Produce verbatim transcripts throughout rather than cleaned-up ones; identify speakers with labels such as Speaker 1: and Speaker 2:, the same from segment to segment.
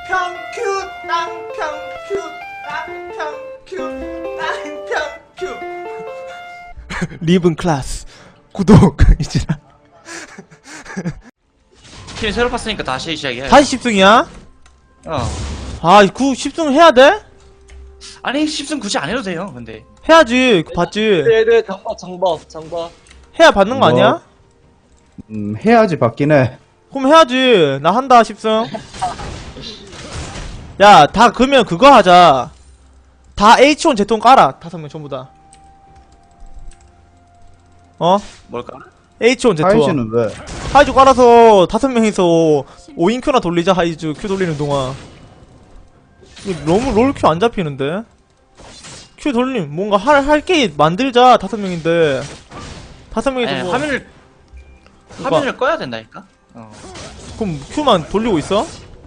Speaker 1: 땅평큐 땅평큐 땅평큐 땅평큐 리븐 클래스 구독 이제
Speaker 2: 팀 새로 봤으니까 다시 시작이야.
Speaker 1: 다시 십 승이야?
Speaker 2: 어.
Speaker 1: 아, 그 십 승 해야 돼?
Speaker 2: 아니 십 승 굳이 안 해도 돼요. 근데
Speaker 1: 해야지. 그 봤지.
Speaker 3: 네네 정법 정법 정법.
Speaker 1: 해야 받는 거
Speaker 4: 뭐,
Speaker 1: 아니야?
Speaker 4: 음, 해야지 받긴 해.
Speaker 1: 그럼 해야지. 나 한다 십 승. 야, 다 그러면 그거 하자. 다 에이치 원 제통 깔아. 다섯 명 전부 다. 어?
Speaker 2: 뭘까?
Speaker 1: 에이치 원 제통.
Speaker 4: 하이즈는 왜?
Speaker 1: 하이즈 깔아서 다섯 명이서 오 인큐나 돌리자. 하이즈 큐 돌리는 동안. 이거 너무 롤 큐 안 잡히는데? 큐 돌림 뭔가 할 할 게 만들자. 다섯 명인데. 다섯 명이서
Speaker 2: 아니,
Speaker 1: 뭐
Speaker 2: 화면을 화면을 꺼야 된다니까. 어.
Speaker 1: 그럼 큐만 돌리고 있어?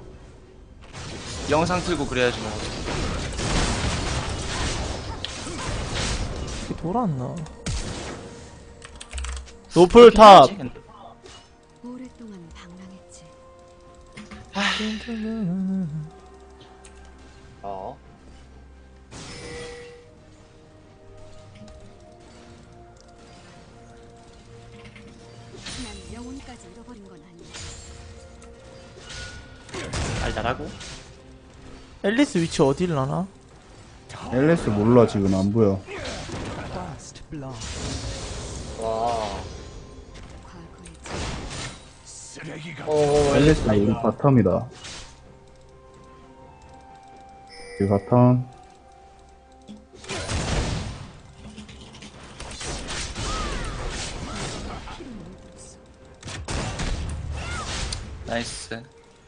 Speaker 2: 영상 틀고 그래야지 뭐.
Speaker 1: 이게 돌았나? 노플 탑.
Speaker 2: 해야지, 근데.
Speaker 5: 오랫동안 방랑했지.
Speaker 3: 어.
Speaker 5: 난 영혼까지 잃어버린 건 아니야.
Speaker 2: 알다라고?
Speaker 1: 앨리스 위치 어디를 나나?
Speaker 4: 앨리스 몰라, 지금 안 보여.
Speaker 3: 와.
Speaker 5: 과거의
Speaker 3: 어.
Speaker 4: 앨리스 우리 바텀이다. 이 바텀.
Speaker 2: 나이스.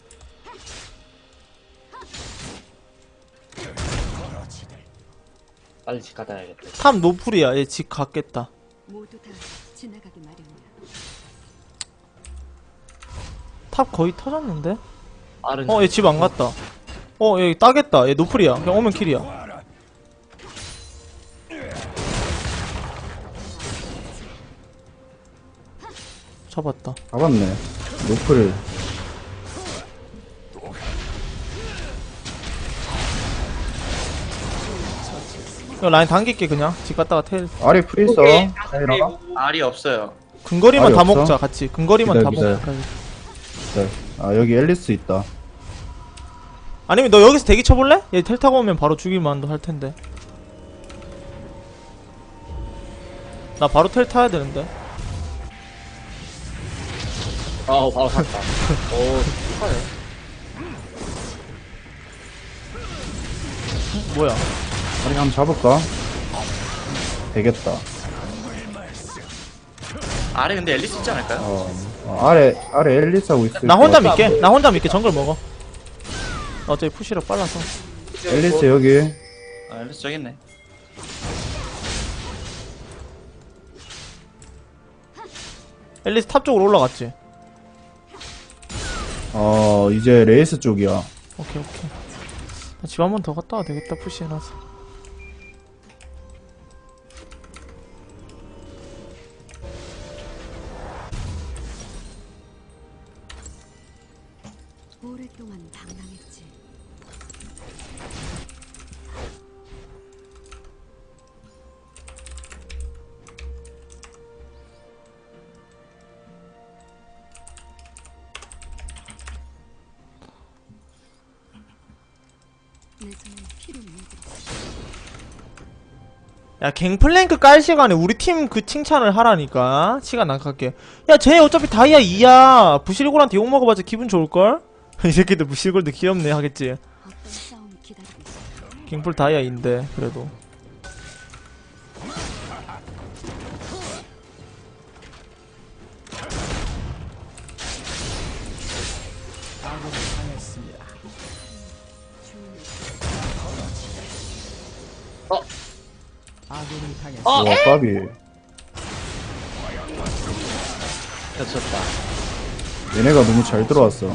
Speaker 3: 빨리 집 갔다 와야겠다.
Speaker 1: 탑 노플이야. 얘 집 갔겠다.
Speaker 5: 모두 다 지나가기 마련이야.
Speaker 1: 탑 거의 터졌는데?
Speaker 3: 빠른.
Speaker 1: 어, 얘 집 안 갔다. 어, 얘 따겠다. 얘 노플이야. 그냥 오면 킬이야. 잡았다.
Speaker 4: 잡았네. 노플.
Speaker 1: 이거 라인 당길게 그냥. 집 갔다가 텔.
Speaker 4: 아리 프리 있어. 사이라.
Speaker 2: 알이 없어요.
Speaker 1: 근거리만
Speaker 4: 알이
Speaker 1: 다
Speaker 4: 없어?
Speaker 1: 먹자. 같이. 근거리만
Speaker 4: 기다려,
Speaker 1: 다
Speaker 4: 기다려.
Speaker 1: 먹자.
Speaker 4: 네. 아, 여기 앨리스 있다.
Speaker 1: 아니면 너 여기서 대기 쳐볼래? 얘 텔 타고 오면 바로 죽일만도 할 텐데. 나 바로 텔 타야 되는데.
Speaker 3: 아 바로 샀다. 오 축하해.
Speaker 1: 뭐야?
Speaker 4: 아리 한번 잡을까? 되겠다.
Speaker 2: 알에 근데 앨리스 있지 않을까요?
Speaker 4: 어, 어, 아래, 아래 앨리스 하고 있을
Speaker 1: 나 혼자
Speaker 4: 것
Speaker 1: 믿게. 나 혼자 믿게. 정글 먹어. 어차피 푸시력 빨라서.
Speaker 4: 같아. 앨리스 여기.
Speaker 2: 아, 앨리스 저기 있네.
Speaker 1: 앨리스 탑 쪽으로 올라갔지.
Speaker 4: 어, 이제 레이스 쪽이야.
Speaker 1: 오케이 오케이. 집 한 번 더 갔다 와야 되겠다. 푸시해놔서.
Speaker 5: 오랫동안 방랑했지. 내 손에 피로 물들었어.
Speaker 1: 야, 갱플랭크 깔 시간에 우리 팀 그 칭찬을 하라니까. 시간 안 갈게. 야, 쟤 어차피 다이아 이야. 부실골한테 욕먹어봤자 기분 좋을걸? 이 새끼들 부실골도 귀엽네 하겠지.
Speaker 5: 어떤 싸움이 기다리고 있어.
Speaker 1: 갱플 다이아 인데, 그래도.
Speaker 3: 어.
Speaker 4: 와, 까비.
Speaker 3: 겹쳤다.
Speaker 4: 얘네가 너무 잘 들어왔어.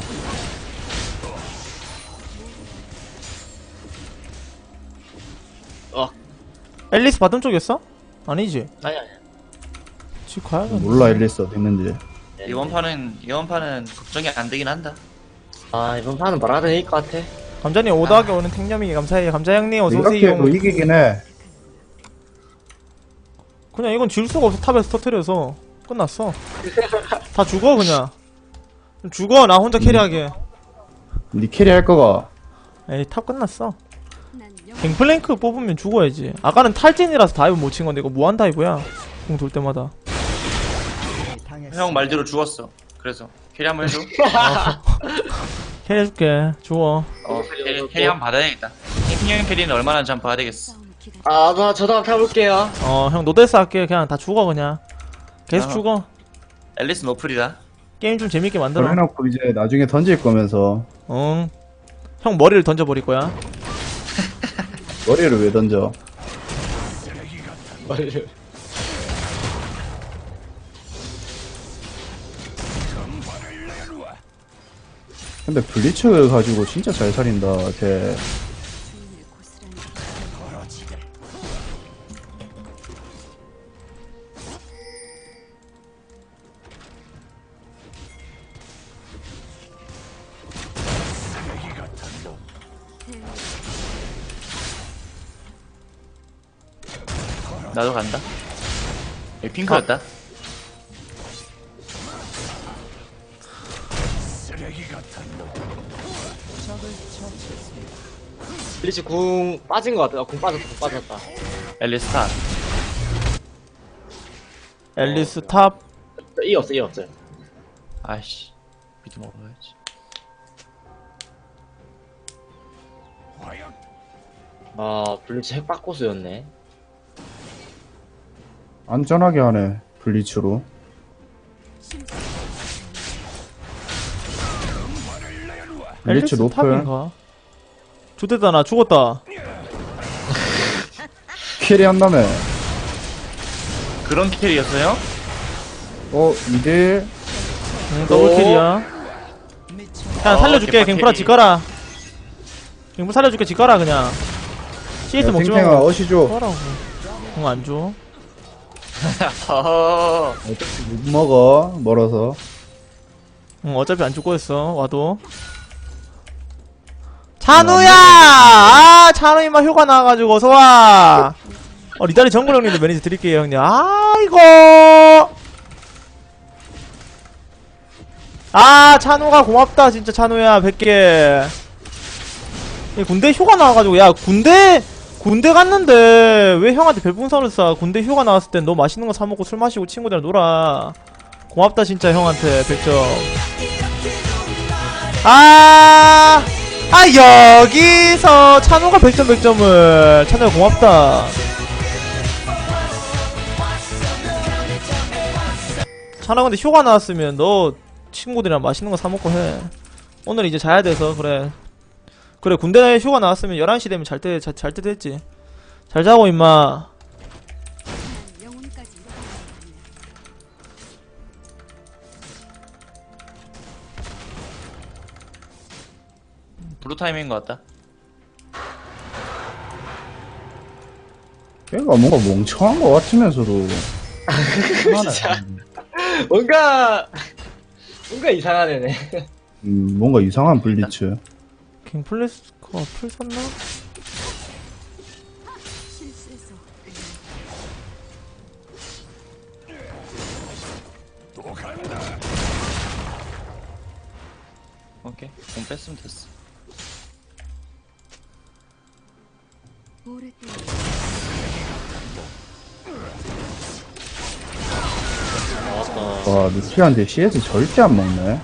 Speaker 3: 어.
Speaker 1: 앨리스 바텀 쪽이었어? 아니지.
Speaker 3: 아니 아니.
Speaker 1: 집 가야겠네.
Speaker 4: 몰라 앨리스 어디 있는지.
Speaker 2: 이번 판은 이번 판은 걱정이 안 되긴 한다.
Speaker 3: 아 이번 판은 말아도 될 것 같아.
Speaker 1: 감자님 오더하게 오는 탱념이 감사해요. 감자 형님 어서오세요.
Speaker 4: 이렇게 해도 이기긴 해.
Speaker 1: 그냥 이건 질 수가 없어. 탑에서 터트려서 끝났어. 다 죽어 그냥. 죽어 나 혼자 캐리하게.
Speaker 4: 니 캐리 할 거가.
Speaker 1: 에이 탑 끝났어.
Speaker 5: 난 영...
Speaker 1: 갱플랭크 뽑으면 죽어야지. 아까는 탈진이라서 다이브 못 친 건데 이거 무한 다이브야. 공 돌 때마다.
Speaker 2: 형 말대로 죽었어. 그래서 캐리 한번 해줘.
Speaker 1: 캐리해줄게. 주워.
Speaker 2: 어 캐리, 캐리 한번 받아야겠다. 킹형 캐리는 얼마나 좀 봐야 되겠어.
Speaker 5: 싸움을 기다려.
Speaker 3: 아, 나 저도 한번 타볼게요.
Speaker 1: 어 형 노데스 할게. 그냥 다 죽어 그냥. 계속
Speaker 2: 어.
Speaker 1: 죽어.
Speaker 2: 앨리스 노플이다.
Speaker 1: 게임 좀 재밌게 만들어.
Speaker 4: 해놓고 이제 나중에 던질 거면서
Speaker 1: 응. 형 머리를 던져버릴 거야.
Speaker 4: 머리를 왜 던져?
Speaker 3: 머리를.
Speaker 4: 근데 블리츠 가지고 진짜 잘 살린다. 걔.
Speaker 5: 주인을 고스란히
Speaker 2: 나도 간다. 여기 핑크였다.
Speaker 3: 블리츠 궁 빠진 것 같아. 아, 궁 빠졌다, 궁 빠졌다.
Speaker 2: 앨리스 탑.
Speaker 1: 앨리스 탑.
Speaker 3: 이 없어, 이 없어요.
Speaker 2: 아이씨. 미드 먹어야지.
Speaker 3: 아, 블리츠 핵박고수였네.
Speaker 4: 안전하게 하네. 블리츠로. 블리츠
Speaker 1: 앨리스
Speaker 4: 노플.
Speaker 1: 탑인가? 좋됐다 나 죽었다.
Speaker 4: 캐리 한다며.
Speaker 2: 그런 캐리였어요?
Speaker 4: 어, 이대
Speaker 1: 응, 더블킬이야. 그냥 살려줄게.
Speaker 2: 어,
Speaker 1: 갱프라
Speaker 2: 개빡
Speaker 1: 지가라. 갱프 살려줄게. 지가라 그냥. 씨에스 먹지
Speaker 4: 탱탱아
Speaker 1: 말고.
Speaker 4: 어시 줘.
Speaker 1: 뭐라고. 응, 안 줘.
Speaker 2: 허허.
Speaker 4: 어차피 못 먹어. 멀어서.
Speaker 1: 응, 어차피 안 죽고 있어. 와도. 찬우야! 아, 찬우 임마 효과 나와가지고 어서와! 어, 리다리 정글 형님도 매니저 드릴게요, 형님. 아이고! 아, 찬우가 고맙다, 진짜 찬우야, 백 개. 이 군대 휴가 나와가지고, 야, 군대, 군대 갔는데, 왜 형한테 별풍선을 쏴? 군대 휴가 나왔을 땐 너 맛있는 거 사먹고 술 마시고 친구들이랑 놀아. 고맙다, 진짜 형한테, 백 점. 아, 아, 여기서 찬우가 백 점 백 점을. 찬우야, 고맙다. 찬우 근데 휴가 나왔으면 너 친구들이랑 맛있는 거 사먹고 해. 오늘 이제 자야 돼서, 그래. 그래, 군대 휴가 나왔으면 열한 시 되면 잘 때, 잘, 잘 때 됐지. 잘 자고, 임마.
Speaker 5: 난 영혼까지 잃어버린 거 아니야.
Speaker 2: 블루 타임인 것 같다.
Speaker 4: 걔가 뭔가 멍청한 것 같으면서도.
Speaker 3: 진짜. 뭔가, 뭔가 이상한 애네.
Speaker 4: 음, 뭔가 이상한 블리츠.
Speaker 1: 갱플래스커 풀 샀나?
Speaker 5: 실수해서
Speaker 2: 오케이. 공 뺐으면 됐어.
Speaker 5: 오랫동안
Speaker 3: 나왔다.
Speaker 4: 와, 루시한테 씨에스 절대 안 먹네.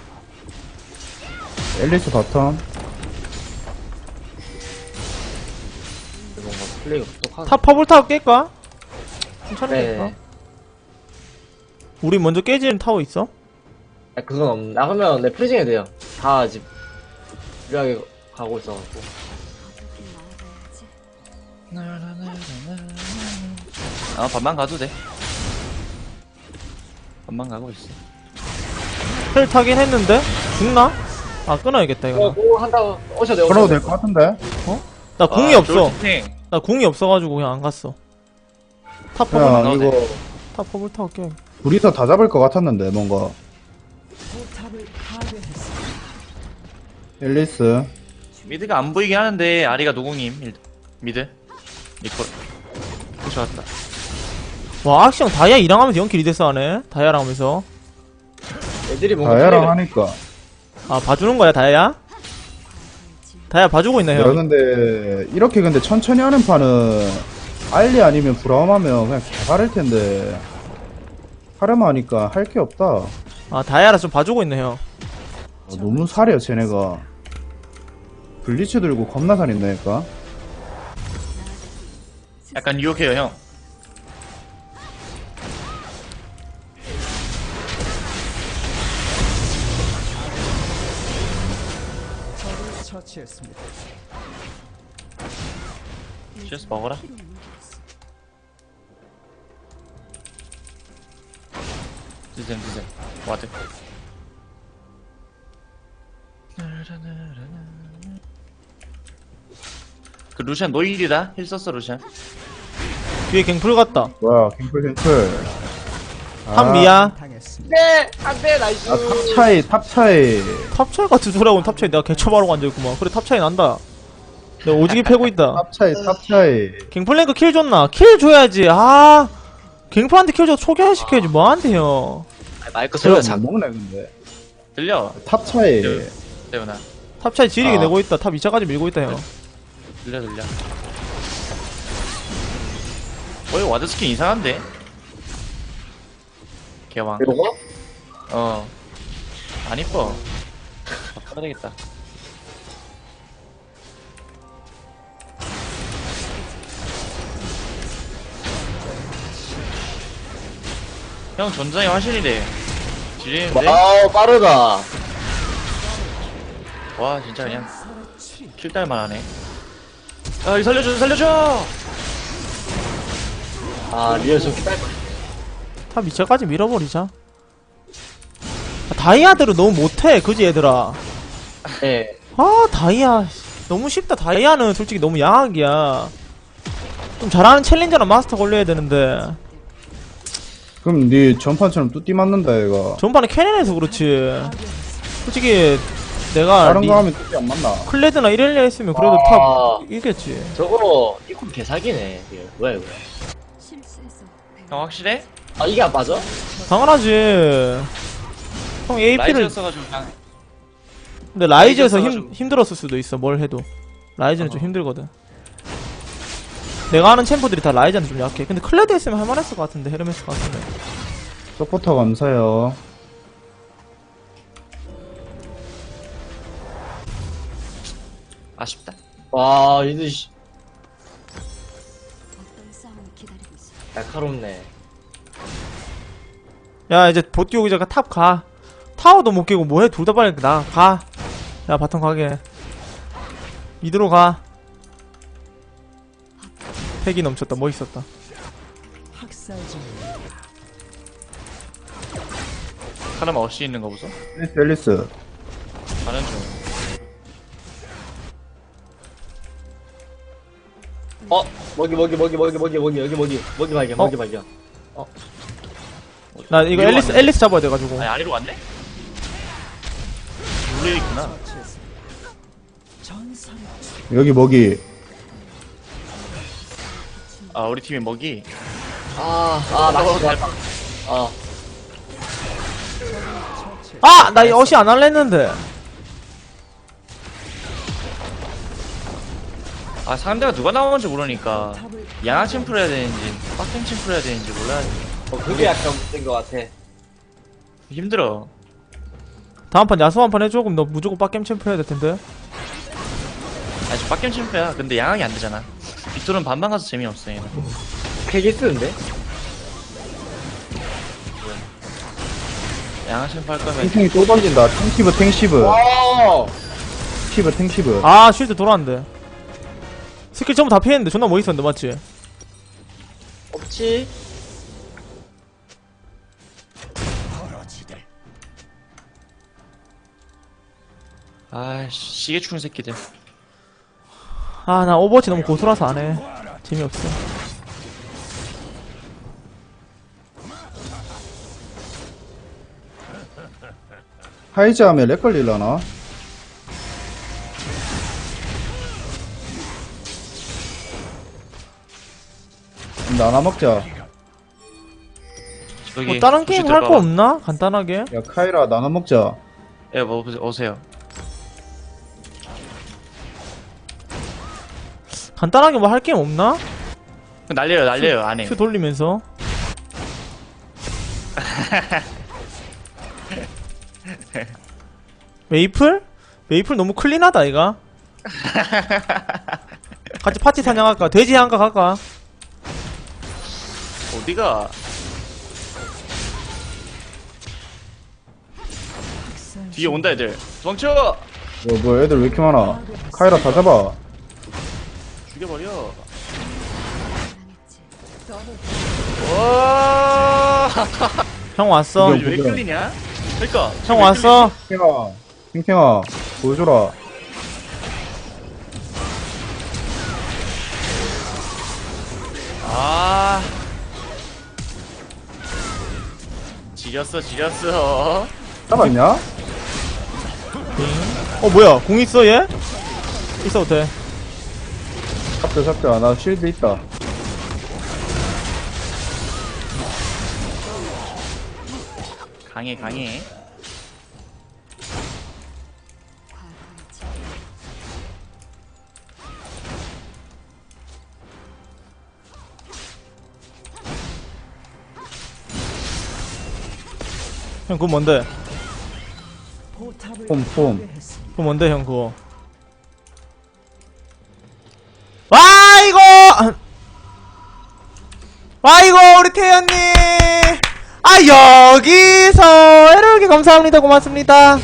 Speaker 4: 앨리스 바텀.
Speaker 3: 뭔가 플레이가 부족하네.
Speaker 1: 탑 퍼블 타워 깰까? 괜찮을까?
Speaker 3: 네.
Speaker 1: 우리 먼저 깨지는 타워 있어?
Speaker 3: 아, 그건 없네. 아, 그러면 내 프리징 해도 돼요. 다 집, 유리하게 가고 있어갖고.
Speaker 5: 어떻게 나아가야지.
Speaker 2: 아, 반만 가도 돼. 반만 가고 있어.
Speaker 1: 헬 타긴 했는데? 죽나? 아, 끊어야겠다,
Speaker 3: 어,
Speaker 1: 이거.
Speaker 3: 그거 한다고, 오셔도 돼요.
Speaker 4: 걸어도 될 것 같은데?
Speaker 1: 나 궁이
Speaker 2: 아,
Speaker 1: 없어.
Speaker 2: 쫄티팅.
Speaker 1: 나 궁이 없어가지고 그냥 안 갔어. 탑 퍼블,
Speaker 4: 그냥
Speaker 2: 나오네.
Speaker 4: 이거
Speaker 1: 탑 퍼블 타워 깨.
Speaker 4: 둘이서 다 잡을 것 같았는데, 뭔가. 앨리스.
Speaker 2: 미드가 안 보이긴 하는데 아리가 노공임. 일- 미드. 리콜. 좋았다.
Speaker 1: 와 악시형 다이아 이랑 하면서 영킬 이 대스 하네. 다이아랑 하면서.
Speaker 3: 애들이 뭔가
Speaker 4: 다야랑
Speaker 3: 플레이가-
Speaker 4: 하니까.
Speaker 1: 아 봐주는 거야 다이아? 다이아 봐주고 있네
Speaker 4: 야,
Speaker 1: 형.
Speaker 4: 근데, 이렇게 근데 천천히 하는 판은, 알리 아니면 브라움하면 그냥 개발일 텐데, 하려면 하니까 할 게 없다. 아,
Speaker 1: 아 다이아라 좀 봐주고 있네 형.
Speaker 4: 너무 살이야, 쟤네가. 블리츠 들고 겁나 살인다니까.
Speaker 2: 약간 유혹해요 형. CS 먹어라. 드셈 드셈 와드. 그 루시안 노일이다. 힐 썼어 루시안.
Speaker 1: 뒤에 갱플 같다.
Speaker 4: 뭐야, 갱플, 갱플.
Speaker 1: 탑 미야.
Speaker 3: 네! 안돼 나이스.
Speaker 4: 아, 탑 차이, 탑 차이.
Speaker 1: 탑 차이 같은 소리하고 탑 차이 내가 개처바로 앉아있구만. 그래 탑 차이 난다. 내가 오지게 패고 있다.
Speaker 4: 탑 차이, 탑 차이.
Speaker 1: 갱플랭크 킬 줬나? 킬 줘야지. 아 갱플한테 킬 줘서 초기화시켜야지 뭐한테 형.
Speaker 3: 마이크
Speaker 4: 제가
Speaker 3: 소리가
Speaker 4: 못
Speaker 3: 작.
Speaker 4: 먹네, 근데.
Speaker 2: 들려.
Speaker 4: 탑 차이.
Speaker 2: 태훈아.
Speaker 1: 탑 차이 지리게
Speaker 3: 아.
Speaker 1: 내고 있다. 탑 이 차까지 밀고 있다 형.
Speaker 2: 들려 들려. 어 이거 와드 스킨 이상한데? 개왕.
Speaker 3: 이러고?
Speaker 2: 어. 안 이뻐. 바꿔야 되겠다. 형 전장이 화실이래. 지리는데?
Speaker 3: 와우 빠르다.
Speaker 2: 와 진짜 그냥 킬딸만 하네. 아 이거 살려줘 살려줘.
Speaker 3: 아 리얼 저기 딸.
Speaker 1: 탑 이 차까지 밀어버리자. 아, 다이아들은 너무 못해 그지 얘들아.
Speaker 3: 네.
Speaker 1: 아 다이아 너무 쉽다. 다이아는 솔직히 너무 양악이야. 좀 잘하는 챌린저나 마스터 걸려야 되는데
Speaker 4: 그럼 니 전판처럼 뚜띠 맞는다, 얘가.
Speaker 1: 전반에 캐넨에서 그렇지. 솔직히 내가
Speaker 4: 다른
Speaker 1: 리-
Speaker 4: 거 하면 뚜띠 안 맞나?
Speaker 1: 클레드나 이렐리아 했으면 그래도
Speaker 3: 아.
Speaker 1: 탑 이겼지.
Speaker 3: 저거 이콤 개사기네. 이게 뭐야 이거?
Speaker 5: 실수해서 배운
Speaker 2: 형 확실해?
Speaker 3: 아 이게 안 맞아?
Speaker 1: 당연하지. 형 에이피를
Speaker 2: 라이즈였어가지고 그냥
Speaker 1: 근데 라이즈에서 힘,
Speaker 2: 라이즈였어가지고.
Speaker 1: 힘들었을 수도 있어 뭘 해도. 라이즈는 좀 힘들거든. 내가 아는 챔프들이 다 라이즈는 좀 약해. 근데 클레드 했으면 할만했을 것 같은데 헤르메스 같은데.
Speaker 4: 서포터 감사해요.
Speaker 2: 아쉽다.
Speaker 3: 와 이들 씨
Speaker 5: 어떤 싸움을 기다리고 있어.
Speaker 3: 날카롭네.
Speaker 1: 야 이제 보 띄우기 전에 탑 가. 타워도 못 깨고 뭐해. 둘 다 빨리 나 가. 야 바텀 가게. 미드로 가. 패기 넘쳤다. 멋있었다.
Speaker 2: 카르마 어시 있는 거 보소.
Speaker 4: 앨리스, 앨리스.
Speaker 2: 가는 중.
Speaker 3: 어 먹이 먹이 먹이 먹이 먹이 먹이 여기 먹이 먹이 발견
Speaker 1: 어?
Speaker 3: 먹이 발견.
Speaker 1: 나 이거
Speaker 2: 위로
Speaker 1: 앨리스
Speaker 2: 왔네?
Speaker 1: 앨리스 잡아야 돼가지고.
Speaker 2: 아니 아래로 왔네? 물에 있구나.
Speaker 4: 여기 먹이.
Speaker 2: 아 우리 팀의 먹이.
Speaker 3: 아아 맛있다. 아
Speaker 1: 아! 나 이 어시 안 할래 했는데.
Speaker 2: 아 상대가 누가 나오는지 모르니까 양아 침프를 해야 되는지 빡땡 침프를 해야 되는지 몰라야지.
Speaker 3: 어, 그게 약간 문제인 것 같아.
Speaker 2: 힘들어.
Speaker 1: 다음판 야수 한 판 해줘. 그럼 너 무조건 빡겜 챔프 해야 될 텐데.
Speaker 2: 아니 저 빡겜 침프야. 근데 양악이 안 되잖아. 빅토르는 반반 가서 재미없어 얘는.
Speaker 3: 되게 쓰는데?
Speaker 2: 양아 침프 할 거면
Speaker 4: 탱탱이 또 던진다. 탱시브, 탱시브.
Speaker 3: 와
Speaker 4: 탱시브, 탱시브.
Speaker 1: 아 쉴드 돌아왔는데. 스킬 전부 다 피했는데 존나 멋있었는데 맞지?
Speaker 3: 없지.
Speaker 2: 아이씨 시계 추는 새끼들.
Speaker 1: 아 나 오버워치 너무 고수라서 안해. 재미없어.
Speaker 4: 하이즈 하면 렉 걸릴라나? 나눠 먹자.
Speaker 2: 여기
Speaker 1: 뭐 다른 게임 할 거
Speaker 2: 들어가봐.
Speaker 1: 없나? 간단하게.
Speaker 4: 야 카이라 나눠 먹자.
Speaker 2: 예, 뭐 보세요. 오세요.
Speaker 1: 간단하게 뭐 할 게임 없나?
Speaker 2: 날려요, 날려요. 안에.
Speaker 1: 큐 돌리면서. 메이플? 메이플 너무 클린하다 이가. 같이 파티 사냥할까? 돼지 한가 갈까?
Speaker 2: 어디가? 뒤에 온다 애들. 도망쳐!
Speaker 4: 야, 뭐 애들 왜 이렇게 많아? 카이라 다 잡아.
Speaker 2: 죽여버려.
Speaker 5: 당했지.
Speaker 2: 와!
Speaker 1: 형 왔어.
Speaker 4: 이게
Speaker 2: 왜 끌리냐? 그러니까.
Speaker 1: 형 왔어.
Speaker 4: 탱탱아, 탱탱아, 보여줘라.
Speaker 2: 아. 지렸어, 지렸어.
Speaker 4: 잡았냐?
Speaker 1: 어 뭐야? 공 있어 얘? 있어도 돼.
Speaker 4: 잡자, 잡자. 나 실드 있다.
Speaker 2: 강해, 강해.
Speaker 5: 과감하지.
Speaker 1: 형 그거 뭔데?
Speaker 4: 폼, 폼.
Speaker 1: 그거 뭔데 형 그거? 와 이거! 와 이거 우리 태연님! 아 여기서 이렇게 감사합니다 고맙습니다.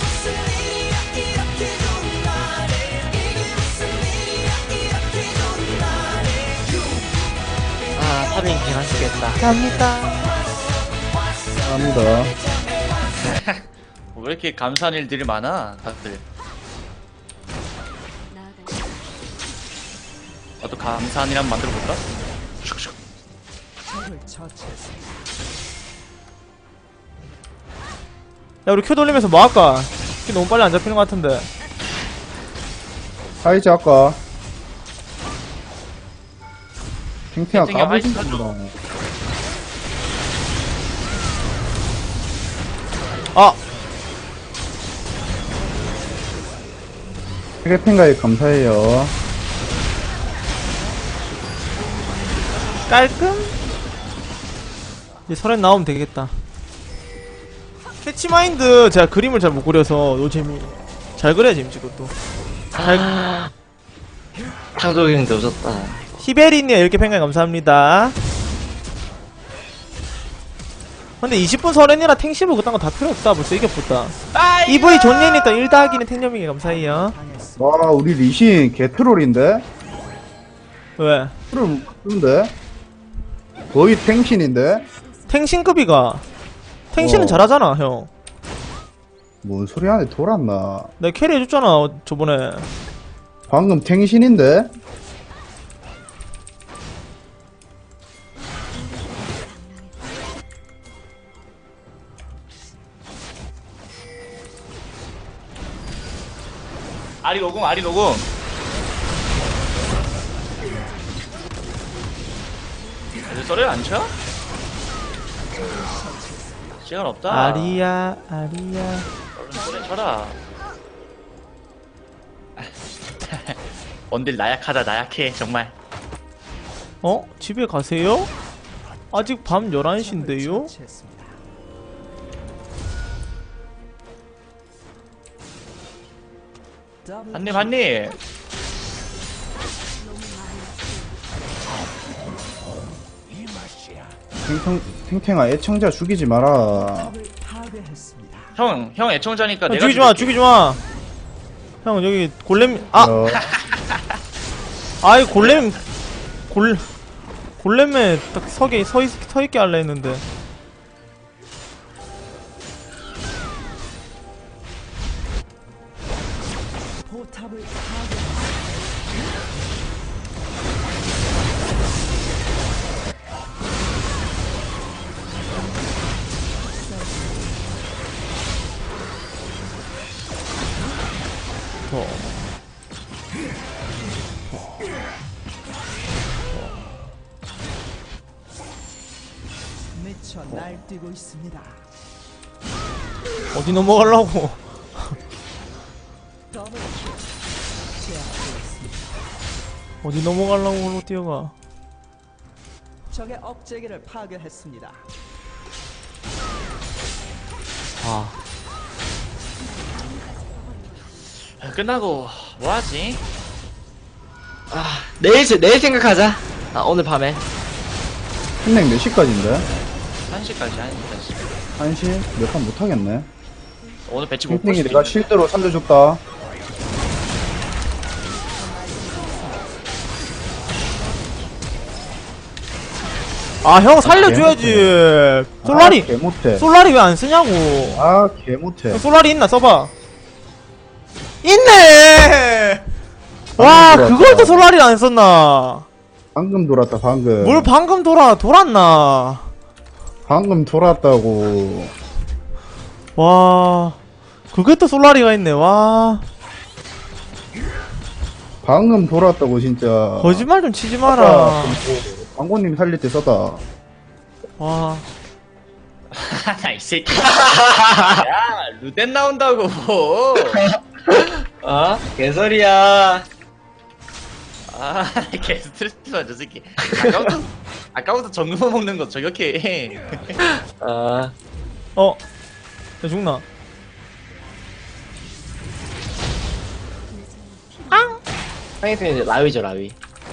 Speaker 2: 아, 파밍 개맛있겠다.
Speaker 1: 감사합니다.
Speaker 4: 감사합니다.
Speaker 2: 왜 이렇게 감사한 일들이 많아, 다들.
Speaker 5: 나아가.
Speaker 2: 나도 감사한 일 한번 만들어 볼까?
Speaker 1: 야 우리 큐 돌리면서 뭐 할까? 큐 너무 빨리 안 잡히는 것 같은데.
Speaker 4: 하이즈 아까. 탱탱아
Speaker 2: 탱탱아, 하이즈
Speaker 4: 까불지 마.
Speaker 1: 아
Speaker 4: 세계팬가에 감사해요.
Speaker 1: 깔끔? 이제 설엔 나오면 되겠다. 캐치마인드 제가 그림을 잘 못 그려서 노잼이 잘 그려야 재밌지 그것도. 잘...
Speaker 3: 창조경인데 오졌다.
Speaker 1: 히베리님 이렇게 팬가 감사합니다. 근데 이십 분 설엔이라 탱시브 그딴 거 다 필요 없다. 벌써 이겨봤다. 이브이 존예님 또 일 더하기는 탱념이게 감사해요.
Speaker 4: 와, 우리 리신 개트롤인데?
Speaker 1: 왜?
Speaker 4: 트롤 못쓰는데? 거의 탱신인데?
Speaker 1: 탱신급이가 탱신은
Speaker 4: 어.
Speaker 1: 잘하잖아 형.
Speaker 4: 뭔 소리 하네, 돌았나?
Speaker 1: 내가 캐리 해줬잖아 어, 저번에.
Speaker 4: 방금 탱신인데?
Speaker 2: 아리 노공, 아리 노공. 왜 썰을 안 쳐? 시간 없다.
Speaker 1: 아리야 아리야.
Speaker 2: 얼른 썰을 쳐라. 원딜 나약하다, 나약해, 정말.
Speaker 1: 어? 집에 가세요? 아직 밤 열한 시인데요?
Speaker 2: 한님, 한님.
Speaker 4: 탱탱, 탱탱아, 애청자 죽이지 마라.
Speaker 2: 형, 형 애청자니까
Speaker 1: 형,
Speaker 2: 내가
Speaker 1: 죽이지마
Speaker 2: 죽일게.
Speaker 1: 죽이지마. 형 여기 골렘 아!
Speaker 4: 어,
Speaker 1: 아이 골렘 골 골렘에 딱 서게 서있 서있게 할라 했는데. 더.
Speaker 6: 미쳐 날뛰고 있습니다.
Speaker 1: 어디 넘어가려고.
Speaker 6: 더블 킬. 제압되었습니다.
Speaker 1: 어디 넘어가려고 홀로 뛰어가.
Speaker 6: 적의 억제기를 파괴했습니다.
Speaker 1: 아,
Speaker 2: 아, 끝나고 뭐하지?
Speaker 3: 아 내일 세- 내일 생각하자. 아 오늘 밤에.
Speaker 4: 흰냉 몇 시까지인데?
Speaker 2: 한 시까지 한 시까지.
Speaker 4: 한 시? 몇 판 못하겠네.
Speaker 2: 오늘 배치 못 볼
Speaker 4: 흰냉이
Speaker 2: 수도
Speaker 4: 내가
Speaker 2: 있는데.
Speaker 4: 실드로 살려줬다.
Speaker 1: 아, 형 살려줘야지. 솔라리,
Speaker 4: 아, 개 못해.
Speaker 1: 솔라리 왜 안 쓰냐고.
Speaker 4: 아, 개 못해.
Speaker 1: 솔라리 있나 써봐. 있네. 와,
Speaker 4: 방금
Speaker 1: 그걸 또
Speaker 4: 돌았다.
Speaker 1: 솔라리를 안 썼나.
Speaker 4: 방금 돌았다, 방금.
Speaker 1: 뭘 방금 돌아 돌았나.
Speaker 4: 방금 돌았다고.
Speaker 1: 와, 그게 또 솔라리가 있네. 와,
Speaker 4: 방금 돌았다고, 진짜.
Speaker 1: 거짓말 좀 치지
Speaker 4: 아까
Speaker 1: 마라.
Speaker 4: 광고님 살릴 때 썼다.
Speaker 1: 와,
Speaker 2: 이 새끼. 야 루덴 나온다고.
Speaker 3: 어? 개소리야.
Speaker 2: 아, 개 스트레스 받아 저 새끼. 아까부터 아까부터 정글 먹는 거 저격해.
Speaker 3: 아
Speaker 1: 어, 야 죽나?
Speaker 3: 상위팀 이제 라위죠 라위.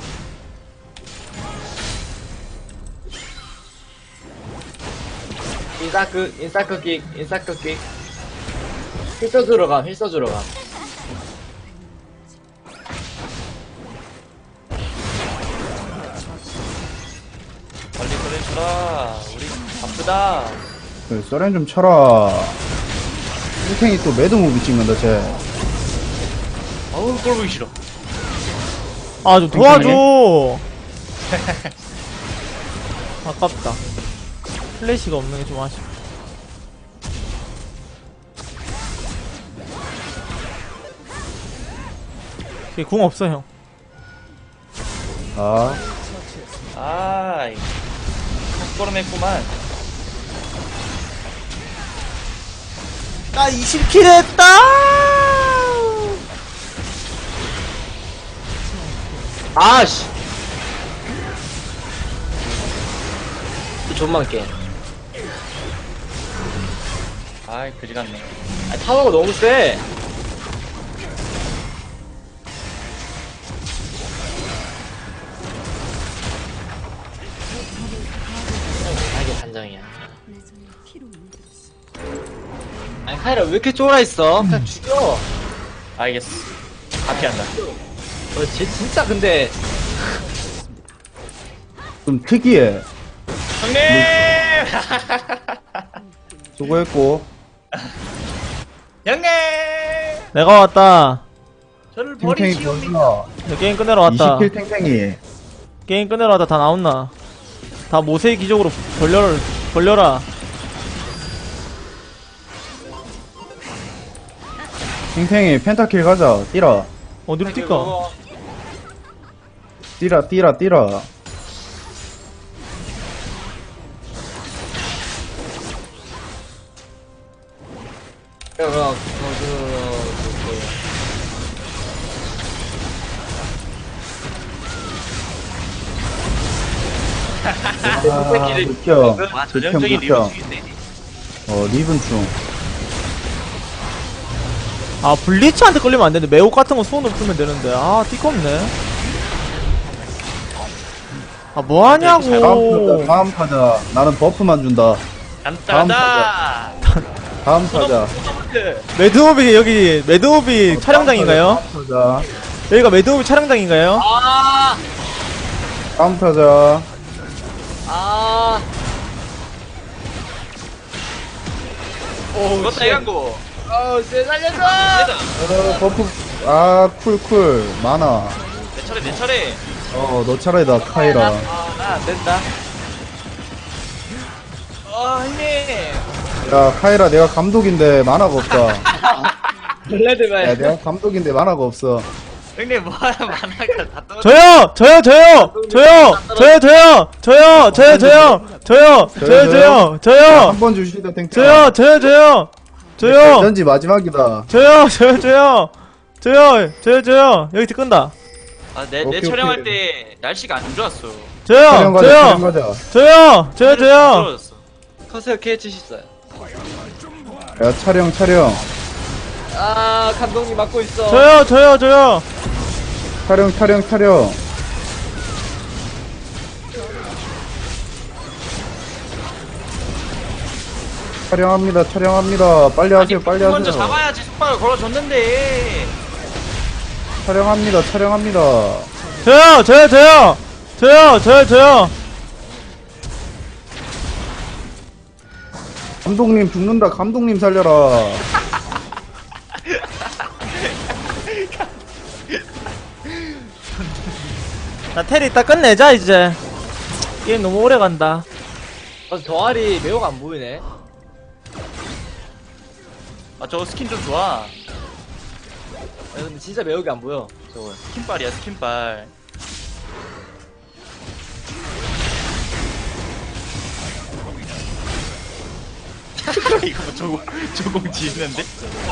Speaker 3: 인사크 인사크 킥 인사크 킥. 힐서 주러 가 힐서 주러 가.
Speaker 2: 빨리 보내주라. 우리 바쁘다.
Speaker 4: 그, 썰렌 좀 쳐라. 일탱이 또 매드무비 찍는다, 쟤.
Speaker 2: 어우 꼴 보기 싫어.
Speaker 1: 아, 좀 도와줘. 아깝다. 플래시가 없는 게 좀 아쉽다. 걔궁 없어, 형.
Speaker 4: 아,
Speaker 2: 아, 이 헛걸음했구만.
Speaker 1: 나 이십 킬 했다!
Speaker 3: 아씨. 존만 게.
Speaker 2: 아이 그지 같네.
Speaker 3: 아 타워가 너무 세. 아 이게 단정이야.
Speaker 5: 내 손이 피로 물들었어.
Speaker 3: 아니 카이라 왜 이렇게 쫄아 있어? 그냥 죽여.
Speaker 2: 알겠어. 다 피한다.
Speaker 3: 어, 쟤 진짜 근데
Speaker 4: 좀 특이해.
Speaker 2: 형님.
Speaker 4: 수고했고.
Speaker 2: 형님.
Speaker 1: 내가 왔다.
Speaker 2: 저를
Speaker 4: 탱탱이
Speaker 2: 버리시오.
Speaker 4: 보여주나.
Speaker 1: 내 게임 끝내러 왔다.
Speaker 4: 이십 킬 탱탱이.
Speaker 1: 게임 끝내러 왔다. 다 나온나. 다 모세의 기적으로 벌려, 벌려라.
Speaker 4: 탱탱이 펜타킬 가자. 뛰라.
Speaker 1: 어디로 뛸까?
Speaker 4: 뛰라, 뛰라, 뛰라.
Speaker 3: 그냥 그냥 어, 그,
Speaker 4: 아, 느껴.
Speaker 2: 와
Speaker 4: 느껴,
Speaker 2: 전형적인
Speaker 4: 느껴.
Speaker 2: 리뷰중인데.
Speaker 4: 어, 리븐충.
Speaker 1: 아, 블리츠한테 걸리면 안 되는데, 매혹 같은 거 손으로 풀면 되는데. 아, 띠껍네. 아,
Speaker 4: 다음
Speaker 1: 뭐하냐고.
Speaker 4: 타자, 다음 타자. 나는 버프만 준다.
Speaker 2: 간단하다.
Speaker 4: 다음 타자.
Speaker 1: 매드오비, 여기, 매드오비 촬영장인가요?
Speaker 4: 다음 타자.
Speaker 1: 여기가 매드오비 촬영장인가요?
Speaker 3: 아,
Speaker 4: 다음 타자.
Speaker 3: 아,
Speaker 2: 오, 그것도 해간고.
Speaker 3: 어, 쟤 살려줘!
Speaker 4: 어, 버프. 아, 쿨, 쿨. 많아.
Speaker 2: 내 차례, 내 차례.
Speaker 4: 어, 너 차례다, 카이라.
Speaker 2: 아, 나 안 된다. 아, 형님.
Speaker 4: 야, 카이라, 내가 감독인데 만화가 없다. 야,
Speaker 3: 블레드맨.
Speaker 4: 내가 감독인데 만화가 없어.
Speaker 2: 형님 뭐야 만화가 다 떨어져.
Speaker 1: 저요 저요 저요 저요 저요 저요 저요 저요 저요 저요 저요 저요 저요
Speaker 4: 한 번 주시다 탱탱.
Speaker 1: 저요 저요 저요 저요
Speaker 4: 던지 마지막이다.
Speaker 1: 저요 저요 저요 저요 저요 저요 여기 끈다.
Speaker 2: 아내 내
Speaker 4: 오케이,
Speaker 2: 촬영할
Speaker 4: 오케이.
Speaker 2: 때 날씨가 안 좋았어.
Speaker 4: 촬영
Speaker 1: 저요
Speaker 4: 가자. 촬영
Speaker 1: 저요
Speaker 4: 가자.
Speaker 1: 저요 저요 저요
Speaker 2: 떨어졌어.
Speaker 3: 커세어 케이치셨어요.
Speaker 4: 야 촬영 촬영.
Speaker 3: 아 감독님 맡고 있어.
Speaker 1: 저요 저요 저요
Speaker 4: 촬영 촬영 촬영. 촬영합니다 촬영합니다. 빨리 하세요
Speaker 2: 아니
Speaker 4: 빨리
Speaker 2: 먼저
Speaker 4: 하세요.
Speaker 2: 잡아야지 속박을 걸어줬는데.
Speaker 4: 촬영합니다 촬영합니다.
Speaker 1: 저요 저요 저요 저요 저요 저요
Speaker 4: 감독님 죽는다. 감독님 살려라.
Speaker 1: 나 테리 이따 끝내자 이제. 게임 너무 오래 간다.
Speaker 3: 아, 동아리 매우가 안 보이네.
Speaker 2: 아 저거 스킨 좀 좋아.
Speaker 3: 야, 근데 진짜 매우가 안 보여. 저거.
Speaker 2: 스킨빨이야 스킨빨. 이거 뭐 조공 조공 지는데?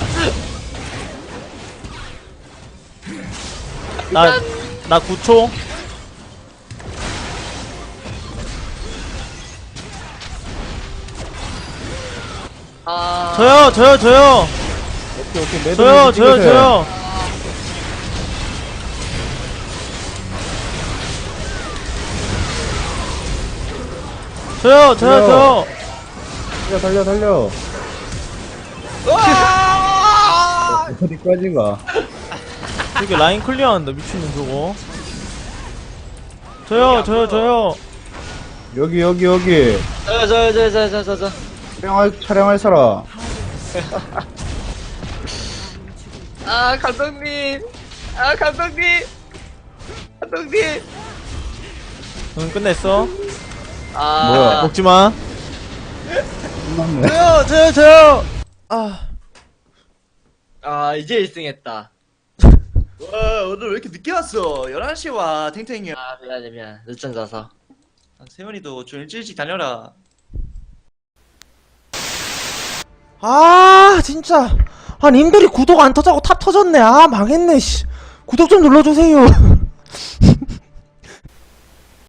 Speaker 1: 나 나 구 초.
Speaker 3: 아.
Speaker 1: 저요 저요 저요
Speaker 4: 오케이 오케이 매듭
Speaker 1: 저요 저요
Speaker 4: 찍으세요.
Speaker 1: 저요 저요 저요 저요
Speaker 4: 달려 달려 달려.
Speaker 3: 와!
Speaker 4: 어디까지가?
Speaker 1: 이게 라인 클리어한다 미친놈 저거. 저요 저요 저요
Speaker 4: 여기 여기 여기.
Speaker 3: 저, 저, 저, 저, 저, 저, 저.
Speaker 4: 촬영할 촬영할 사람.
Speaker 3: 아, 감독님. 아, 감독님. 감독님.
Speaker 1: 응 끝냈어.
Speaker 3: 아.
Speaker 4: 뭐야?
Speaker 1: 먹지마.
Speaker 4: 끝났네.
Speaker 1: 저요 저요 저요. 아
Speaker 3: 아, 이제 일 등 했다.
Speaker 2: 와 오늘 왜 이렇게 늦게 왔어? 열한 시에 와 탱탱이.
Speaker 3: 아, 미안해, 미안. 늦잠 자서.
Speaker 2: 아, 세훈이도 좀 일찍 일찍 다녀라.
Speaker 1: 아 진짜 아 님들이 구독 안 터자고 탑 터졌네. 아 망했네 씨. 구독 좀 눌러주세요.